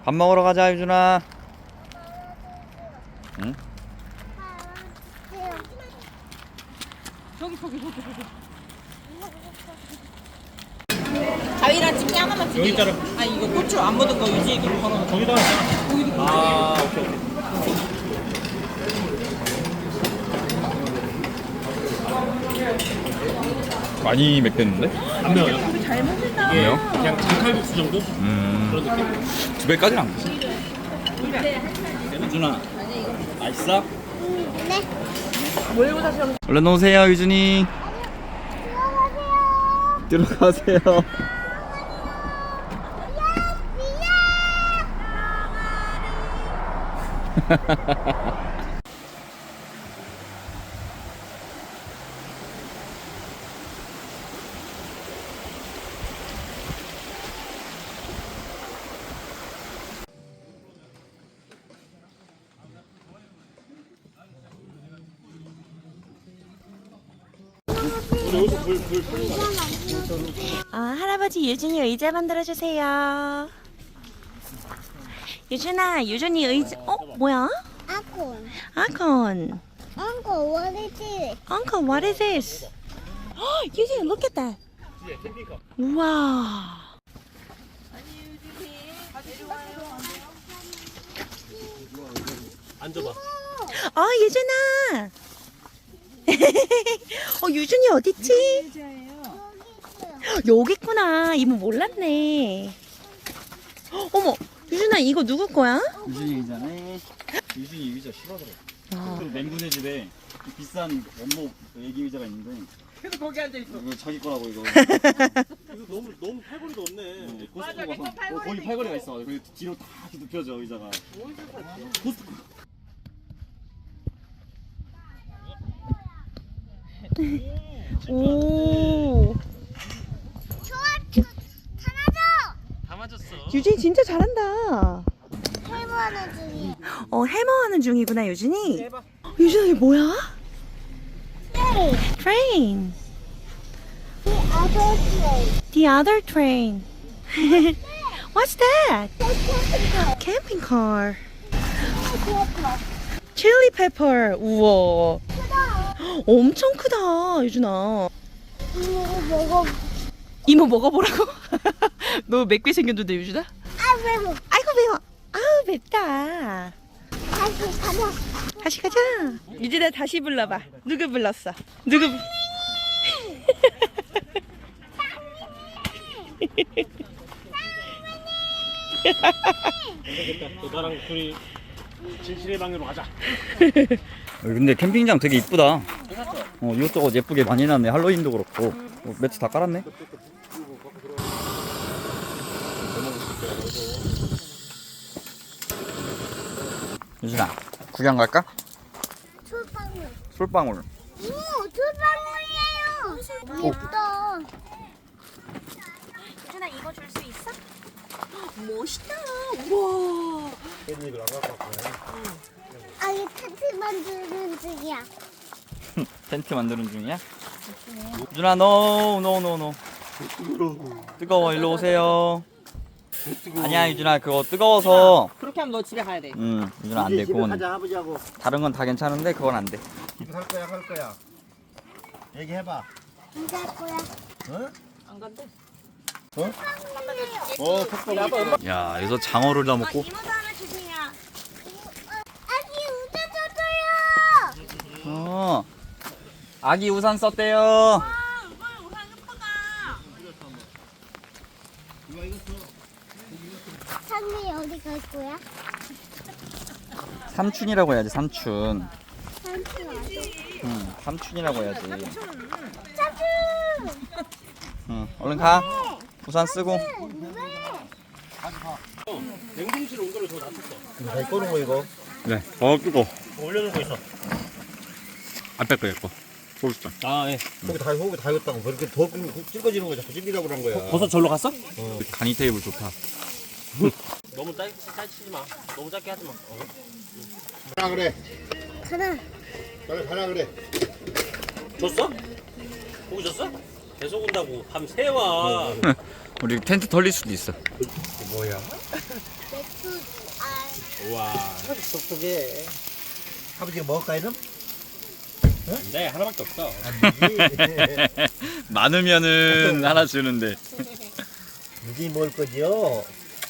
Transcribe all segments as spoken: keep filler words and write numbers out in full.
밥 먹으러 가자, 유준아. 응? 저기 저기 저기 저기. 가위랑 집게 하나만 주세요. 여기 있잖아. 아 이거 고추 안 묻은 거 유지 이렇게 걸어. 저기다가 있잖아. 아, 오케이, 오케이. 많이 맵겠는데? 안 매워요? 잘 먹는다. 왜요? 그냥 장칼국수 정도? 음. 그런 느낌? 두 배까지는 안 되지. 유준아, 맛있어? 몰고 다시 한 얼른 오세요, 유준이. 들어가세요. 들어가세요. 아, 할아버지 유준이 의자 만들어주세요. 유준아, 유준이 의자, 어? 뭐야? 아콘. 아콘. Uncle, what is it? Uncle, what is this? 헉, 유준이, look at that. 우와. 앉아봐. 어, 유준아. 어, 유준이 어딨지? 여기 있구나. 이모 몰랐네. 어머, 유준아, 이거 누구 거야? 유준이 의자네. 유준이 의자 싫어하더라. 그 맹군의 집에 비싼 원목 애기 의자가 있는데 계속 거기 앉아 있어. 이거 자기 거라고 이거. 이거 너무, 너무 팔걸이가 없네. 코스트코 가서 어, 거기 팔걸이가 있어. 그 뒤로 다 이렇게 눕혀져 의자가. 코스트코. 오. 좋아, 하나줘. 다 맞았어. 유준이 진짜 잘한다. 해보는 중이. 어, 해머하는 중이구나, 유준이. 유준아, 이게 뭐야? Train. The other place. The other train. What's that? Camping car. Chili pepper. 우와. 크다. 엄청 크다, 유준아. 이거 먹어. 이모 먹어보라고? 너 맵게 생겼는데, 유준아? 아, 매워. 아이고, 매워. 아우, 맵다. 다시 가자. 다시 가자. 유진아 다시 불러봐. 누구 불렀어? 누구? 불- 되겠다. 또 나랑 둘이 진실의 방으로 가자. 근데 캠핑장 되게 이쁘다. 어, 이것저것 예쁘게 많이 놨네. 할로윈도 그렇고. 어, 매트 다 깔았네. 유준아, 구경 갈까? 솔방울. 솔방울. 오, 솔방울이에요. 예쁘다. 유준아 이거 줄 수 있어? 멋있다. 우와. 아, 이 텐트 만드는 중이야. 텐트 만드는 중이야? 유준아, 노, 노, 노, 노. 뜨거워, 일로 오세요. 아니야, 유준아, 그거 뜨거워서. 그렇게 하면 너 집에 가야 돼. 응, 유준아 안 돼. 그건 가자 아버지하고. 다른 건 다 괜찮은데 그건 안 돼. 집에 갈 거야 갈 거야. 얘기해봐. 이제 할 거야. 안 간대. 어 컵밥. 야, 여기서 장어를 다 먹고. 이모도 하나 주세요. 아기 우자 줬어요. 어. 아기 우산 썼대요. 산이 어디 갈 거야? 삼촌이라고 해야지, 삼촌. 삼촌 어디? 응, 삼촌이라고 해야지. 삼촌. 응, 얼른 가. 우산 쓰고. 냉동실 온도를 더 낮췄어. 잘 꺼는 거 이거. 네. 어, 뜨거. 올려놓고 있어. 앞에 거 예뻐. 소주잔. 아, 예. 속이 다 속이 다 익었다고. 그렇게 더 끓- 찔거지는 거 자꾸 찔기라고 그런 거야. 버섯 절로 갔어? 간이 테이블 좋다. 너무 짧, 짧치지 마. 너무 짧게 하지 마. 어. 가라 그래. 가라. 빨리 가라 그래. 줬어? 고기 줬어? 계속 온다고. 밤새 와. 우리 텐트 털릴 수도 있어. 뭐야? 맥주 우와. 똑똑해. 아버지가 먹을까 이놈? 네, 하나밖에 없어. 많으면은 하나 주는데. 무지 먹을 거지요?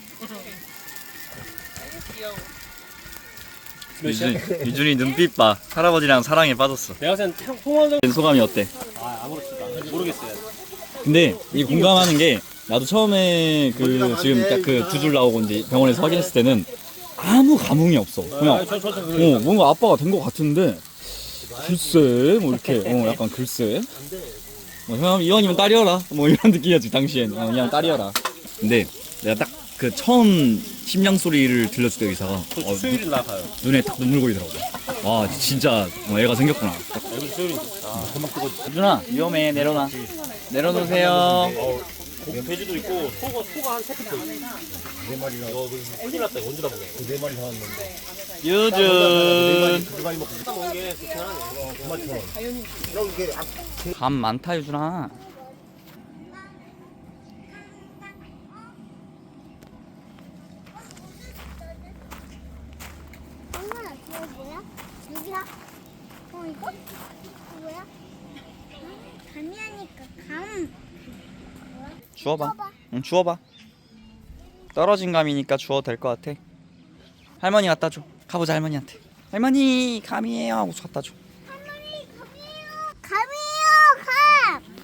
유준, 유준이 눈빛 봐. 할아버지랑 사랑에 빠졌어. 내가 생각 통화적 소감이 어때? 아 아무렇지도 않아. 모르겠어요. 근데 이 공감하는 게 나도 처음에 그 지금 딱 그 두 줄 나오고 이제 병원에서 확인했을 때는 아무 감흥이 없어. 그냥 저, 저, 저, 저, 어 뭔가 아빠가 된 것 같은데 글쎄 뭐 이렇게 어 약간 글쎄 뭐 형 이왕이면 딸이어라 뭐 이런 느낌이었지 당시엔. 어, 그냥 딸이어라. 근데 내가 딱 그 처음 심장 소리를 들렸을 때 의사가 어, 수요일이 나가요. 눈에 딱 눈물 고이더라고. 와 진짜 어, 애가 생겼구나. 여기 수요일이. 유준아 위험해. 내려놔. 내려놓으세요. 어, 돼지도 있고 소가 소가 한 세 팩 더 있어. 네 마리나. 이거 큰일 났다. 이거 언제 다 먹어? 네 마리 사왔는데. 유준. 두 마리 먹고 먹는 게 괜찮아네. 그만처럼. 이렇게 감 많다 유준아. 엄마, 저거 뭐야? 여기야? 어, 이거? 뭐야? 감이 하니까 감. 주워봐. 응 주워봐. 떨어진 감이니까 주워도 될 것 같아. 할머니 갖다 줘. 가보자 할머니한테. 할머니 감이에요 하고 갖다 줘. 할머니, 감이에요. 감이에요, 감.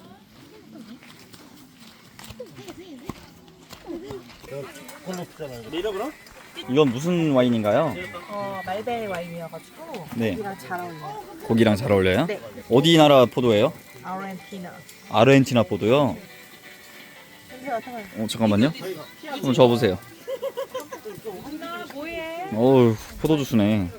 내려 그럼? 이건 무슨 와인인가요? 어, 말베리 와인이어가지고 네. 고기랑 잘 어울려요. 고기랑 잘 어울려요? 네. 어디 나라 포도예요? 아르헨티나. 아르헨티나 포도요? 냄새가 상해. 어 잠깐만요. 한번 줘보세요. 어우 포도 주스네.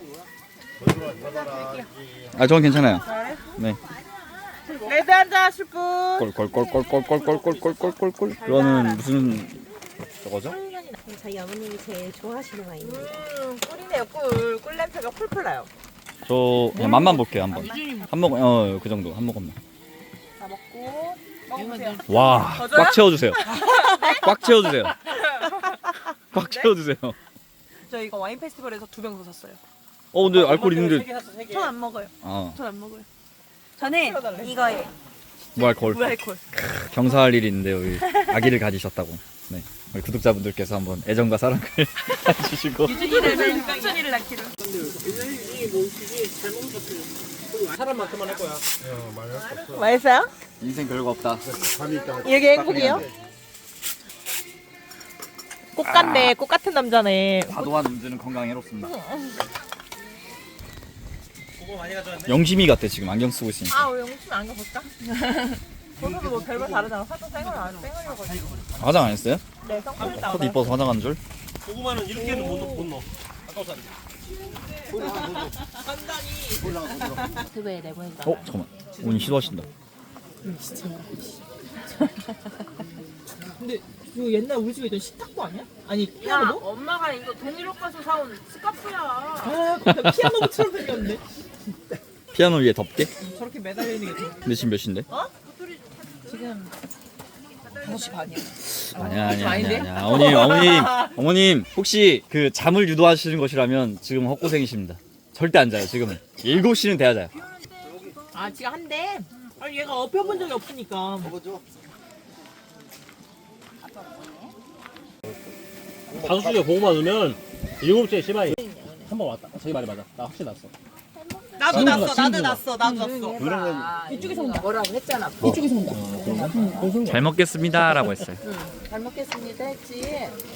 아 저건 괜찮아요. 네. 레드 한잔 하실 분. 꼴꼴꼴꼴꼴꼴꼴꼴꼴꼴꼴. 그거는 무슨 저거죠? 저희 어머님이 제일 좋아하시는 와인입니다. 음, 꿀이네요, 꿀. 꿀 냄새가 펄펄 나요. 저 그냥 맛만 볼게요 한번. 한 모금 어그 정도 한 모금만. 다 먹고 먹으세요. 와, 더 줘요? 꽉 채워주세요. 꽉 채워주세요. 꽉 채워주세요. 저 이거 와인 페스티벌에서 두 병 더 샀어요. 어, 근데 알코올 있는데. 전 안 먹어요. 아, 전 안 먹어요. 저는 채워달래. 이거에 무알콜. 무알콜. 경사할 일이 있는데 우리 아기를 가지셨다고. 네, 우리 구독자분들께서 한번 애정과 사랑을 해주시고. 유준이를 유준이를 낳기를. 사람만큼만 할 거야. 맛있어요? 인생 별거 없다. 이게 행복이에요? 꽃 같네. 꽃 같은 남자네. 과도한 음주는 건강에 해롭습니다. 영심이 같아 지금 안경 쓰고 있으니까. 아, 우리 영수 안경 볼까? 저도 뭐 별별 다르잖아. 화장 생얼 안 생얼이어가지고. 화장 안 했어요? 네, 선크림 컷 나오네. 이뻐서 화장한 줄? 고구마는 이렇게는 못 넣어. 못 넣어. 아까워서 안 돼. 유튜브에 내보니까 어 잠깐만. 오늘 시도하신다. 근데 이거 옛날 우리 집에 있던 식탁보 아니야? 아니, 야 피아노? 엄마가 이거 동일옥 가서 사온 스카프야. 아, 피아노처럼 생겼는데? 피아노 위에 덮개? 저렇게 매달려 있는 게 더. 근데 지금 몇 시인데? 지금 다섯 시 반이야. 아니야 아니야 아닌데? 아니야 아니야. 어머님 어머님 어머님 혹시 그 잠을 유도하시는 것이라면 지금 헛고생이십니다. 절대 안 자요 지금은. 일곱 시는 돼야 자요. 아, 지금 한대. 아니, 얘가 업혀본 적이 없으니까. 다섯 시에 고구마 넣으면 일곱 시에 시바이 한 번 왔다. 저기 말이 맞아. 나 확실히 났어. 나도 지금 났어, 봐, 나도 지금 났어, 나도 났어. 이쪽에서 온다. 뭐라고 했잖아. 잘 먹겠습니다라고 했어요. 잘 먹겠습니다 했지.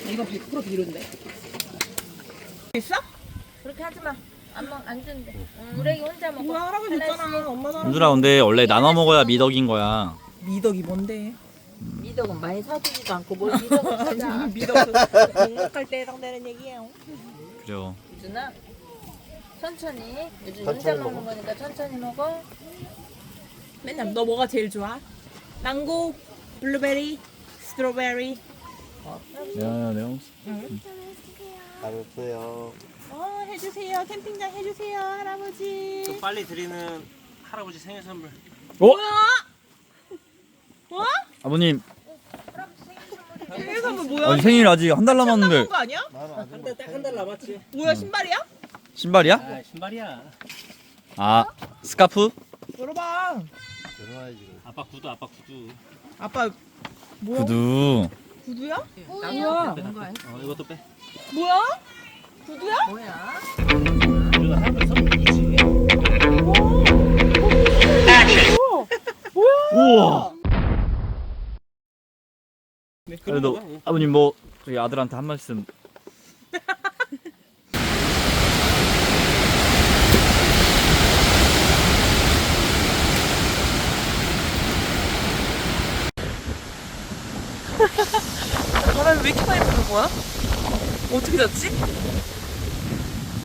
있어? 그렇게 하지 마. 안 먹, 안 준대. 응, 우리 애기 혼자 먹어. 뭐야, 할아버지 있잖아. 엄마 사람. 윤준아 근데 원래 나눠 먹어야 미덕인 거야. 미덕이 뭔데? 미덕은 많이 사주지도 않고 뭘 미덕을 사자. 미덕 묵묵할 때 해당되는 얘기예요. 그죠. 유준아 천천히. 요즘 천천히 혼자 먹어. 먹는 거니까 천천히 먹어. 맨날 너 뭐가 제일 좋아? 망고, 블루베리, 스트로베리. 야 내가 알았어요. 어, 해주세요. 캠핑장 해주세요, 할아버지. 또 빨리 드리는 할아버지 생일 선물. 어? 뭐? 아버님 생일 선물 뭐야? 아니 생일 아직 한 달 남은 남았는데 거 아니야? 딱한 달 남았지. 뭐야 신발이야? 신발이야? 아 신발이야. 아 스카프? 열어봐. 아빠 구두 아빠 구두. 아빠 뭐야? 구두. 구두야? 뭐야? 뭐야? 어 이것도 빼. 뭐야? 구두야? 뭐야? 이거 할아버지 선물이지. 우와. 네, 그래도 아버님 뭐 저희 아들한테 한 말씀. 바람이 왜 이렇게 많이 부는 거야? 어떻게 잤지?